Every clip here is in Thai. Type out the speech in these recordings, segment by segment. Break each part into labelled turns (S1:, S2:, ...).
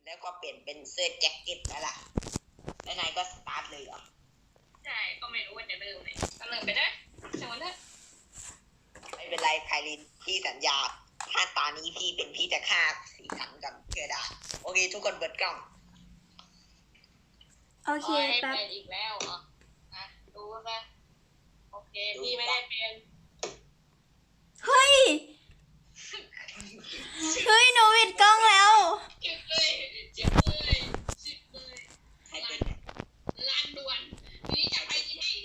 S1: แล้วก็เปลี่ยนเป็นเสื้อแจ็คเก็ตแล้วล่ะแล้วนายก็สตาร์ทเลยเหรอ
S2: ใช่ก็ไม่รู้ว่าจะเริ่มไหนก็เริ่มไปนะเชิญนะ
S1: ไม่เป็นไรไพลินพี่สัญญาถ้าตานี้พี่เป็นพี่จะฆ่าสีสันกับเกลือดาโอเคทุกคนเปิดกล้อง
S3: โอเค
S2: ให้
S3: แป๊บ
S2: เป็นอีกแล้วเหรอดูนะโอเคพี่ไม่ได้เป็น
S3: เฮ้ย เฮ้ยหนูปิดกล้องแล้ว
S2: เจ็บเลยเจ็บเลยเจ็บเลย
S1: ใครเป็น
S2: ลานด่วนนี้จะไปลินให้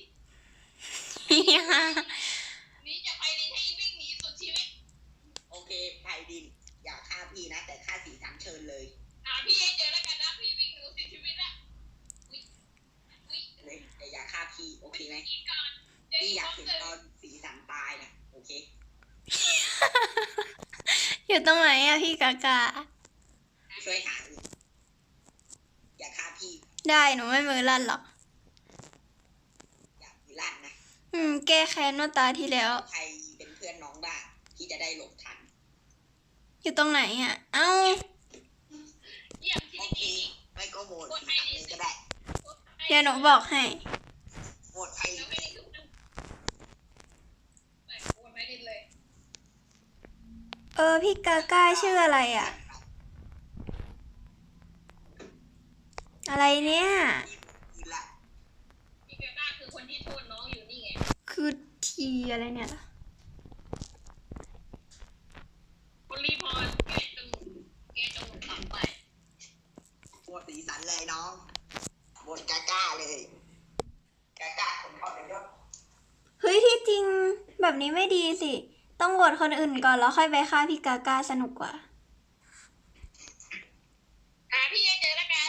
S2: นี้จะไปลินให้วิ่งหนีสุดชีวิต
S1: โอเคไพลินอย่าฆ่าพี่นะแต่ฆ่าสีสันเชิญเลย
S2: พี่ให้เจอแล้วกันนะพี่วิ่งหนีสุดชีวิตละ
S1: แต่อย่าฆ่าพี่โอเคไหม
S2: ก่อน
S1: พี่อยากเห็นตอนสีสันตายนะโอเค
S3: อยู่ตรงไหนอะพี่กากา
S1: ช่วยหาอย่าฆ่าพี่
S3: ได้หนูไม่มือลั่นหรอก
S1: อย่าพิลั่นนะ
S3: แก้แค้นเมื่อตาที่แล้ว
S1: ใครเป็นเพื่อนน้องบ้างพี่จะได้หลบทัน
S3: อยู่ตรงไหนอะเอ้า
S2: เยี่ยมที่
S1: โอเค
S2: นี่
S1: ไม่ก็โหวตสีสันเลยก็ได้
S3: เดี๋ยวหนูบอกให้
S1: โหวตไพลิน
S2: ไม่ได้ทุกคนไม่ได้เลย
S3: พี่กากาชื่ออะไรอะอะไรเนี่ย
S1: พี่ละ
S2: พี่เกต้าคือคนที่โทษน้องอยู่นี่ไง
S3: คือทีอะไรเนี่ย
S2: คนรีพอร์ตแกจงตัดไป
S1: โหวตสีสันเลยน้องโหวตกาก้าเลยกาก้าผมเข้าไปด้วย
S3: เฮ้ยที่จริงแบบนี้ไม่ดีสิ ต้องโหวตคนอื่นก่อนแล้วค่อยไปฆ่าพี่กากาสนุกกว่า
S2: พี่ให้เจอแล้วกัน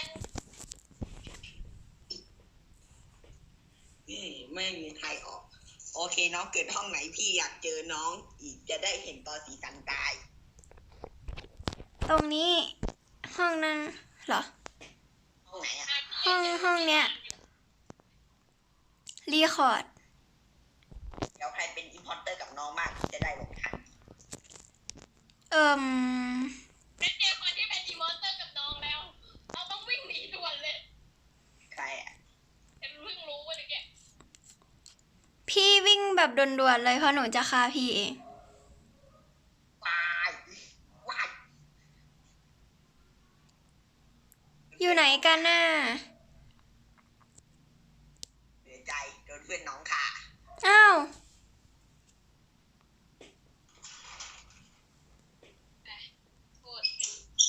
S1: ไม่มีใครออกโอเคน้องเกิดห้องไหนพี่อยากเจอน้องอีกจะได้เห็นตอนสีสันตาย
S3: ตรงนี้ห้องนั้นเหรอ
S1: ห้องไหนอะ
S3: ห้องเนี้ยรีคอร์ด
S1: เดี๋ยวใครเป็นอิมพอร์เตอร์กับน้องมากพี่จะได้หลบทัน
S2: เป็นเจอคนที่เป็นอีมอนเตอร์กับน้องแล้วเราต้องวิ่งหนีด่วนเลย
S1: ใครอะ
S2: ฉันเพิ่งรู้ว่าเนี่ย
S3: พี่วิ่งแบบด่วนๆเลยเพราะหนูจะฆ่าพี่เอง
S1: วายวาย
S3: อยู่ไหนกันน่ะ
S1: เหนื่อยใจโดนเพื่อนน้องค่ะ
S3: อ้าว
S2: โทษเป็น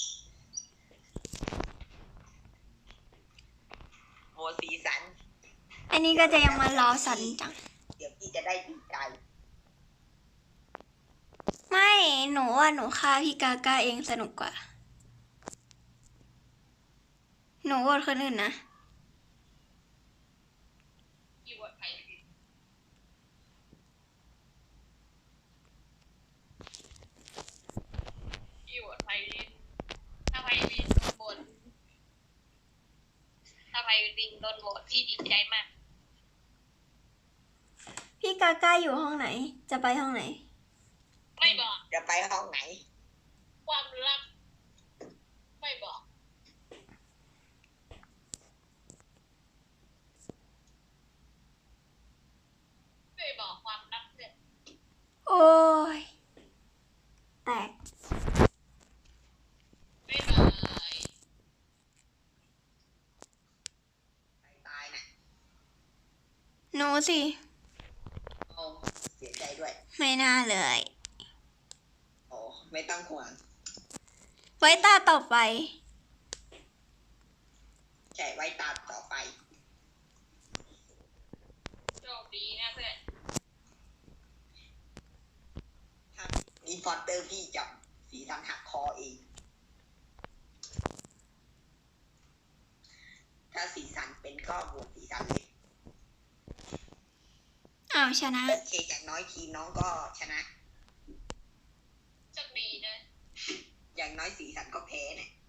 S1: โหวตสีสัน
S3: อันนี้ก็จะยังมารอสันจัง
S1: เดี๋ยวพี่จะได้ดีใจ
S3: ไม่หนูว่าหนูฆ่าพี่กากาเองสนุกกว่า หนูโหวตคนอื่นนะ
S2: คีย์เวิร์ดไทยคีย์เวิร์ดไทยถ้าไพลินโดนบทถ้าไพลินโดนบทพี่ดีใจมาก
S3: พี่กากาอยู่ห้องไหน จะไปห้องไหน
S2: ไม่บอก
S1: จะไปห้องไหน
S2: ความลับไม่บอก ไม่บอกความลับเลย
S3: โอ้ย แตก
S2: ไม่บาย
S1: ใครตายน่ะ
S3: หนูสิ
S1: โอ้เสียใจด้วย
S3: ไม่น่าเลย
S1: โอ้ไม่ต้องห่วง
S3: ไว้ตาต่อไป
S1: แค่ไว้ตามต่อไป
S2: โชคดีนะเพื่อน
S1: ถ้าอินพอร์เตอร์พี่จับสีสันหักคอเอง ถ้าสีสันเป็นก็โหวตสีสันเลย
S3: อ้าวชนะ
S1: โอเคอย่างน้อยทีมน้องก็ชนะ
S2: โชคดีนะ
S1: อย่างน้อยสีสันก็แพ้เนี่ย